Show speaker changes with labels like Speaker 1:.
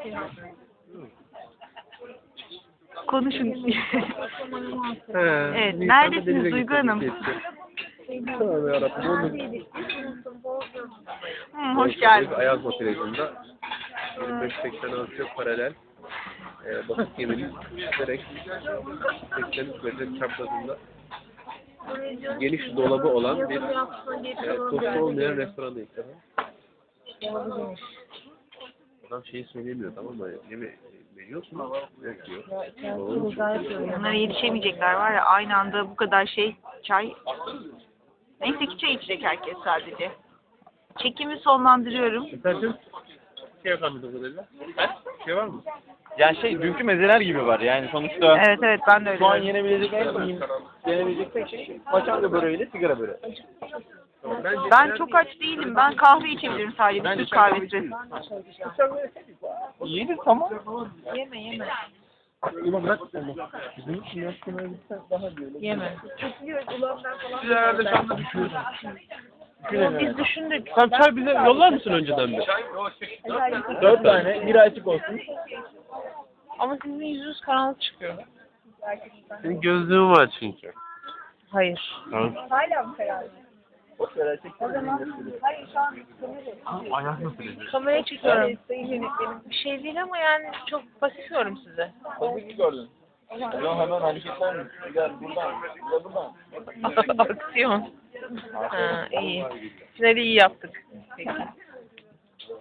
Speaker 1: Konuşun. Evet, neredesiniz Duygu Hanım?
Speaker 2: Tövbe yarabbim.
Speaker 1: Hoş geldiniz.
Speaker 2: Ayaz motivasyonunda 25-86 çok paralel basit geminin giderek 83 metre çaprazında geniş dolabı olan bir tostu olmayan restorandayız. Adam şeyi söyleyemiyor, tamam mı? Yeme veriyorsun ama yok diyor.
Speaker 1: Bunlara yetişemeyecekler var ya, aynı anda bu kadar şey, çay. Neyse ki çay içecek herkes sadece. Çekimi sonlandırıyorum.
Speaker 2: Efendim? Şey yapalım bu kadarıyla. Şey var mı?
Speaker 3: Yani dünkü mezeler gibi var yani sonuçta.
Speaker 1: Evet evet, ben de öyle.
Speaker 3: Şu an yenebilecek tek şey paçanga böreğiyle sigara böreği.
Speaker 1: Ben çok aç değilim. Ben kahve içebilirim sadece. Bir Türk kahvesi.
Speaker 3: İyidir tamam.
Speaker 1: Yeme.
Speaker 2: Ulan bırak onu. Bizim için yaşlamaya gitsen daha böyle.
Speaker 1: Yeme.
Speaker 2: Siz herhalde şu anda düşünüyorsunuz.
Speaker 1: Biz düşündük.
Speaker 2: Sen çay bize yollar mısın önceden bir?
Speaker 3: 4 tane, biri açık olsun.
Speaker 1: Ama sizin yüzünüz karanlık çıkıyor.
Speaker 2: Senin gözlüğün var çünkü.
Speaker 1: Hayır.
Speaker 2: Tamam. Ayak nasıl ediyor?
Speaker 1: Kameraya çekiyorum. Bir şey değil ama yani çok basıyorum size.
Speaker 3: Tabii ki gördün. Ya hemen hareketler mi? Gel buradan, gel buradan.
Speaker 1: Aksiyon. Ha, iyi. Finali iyi yaptık. Peki.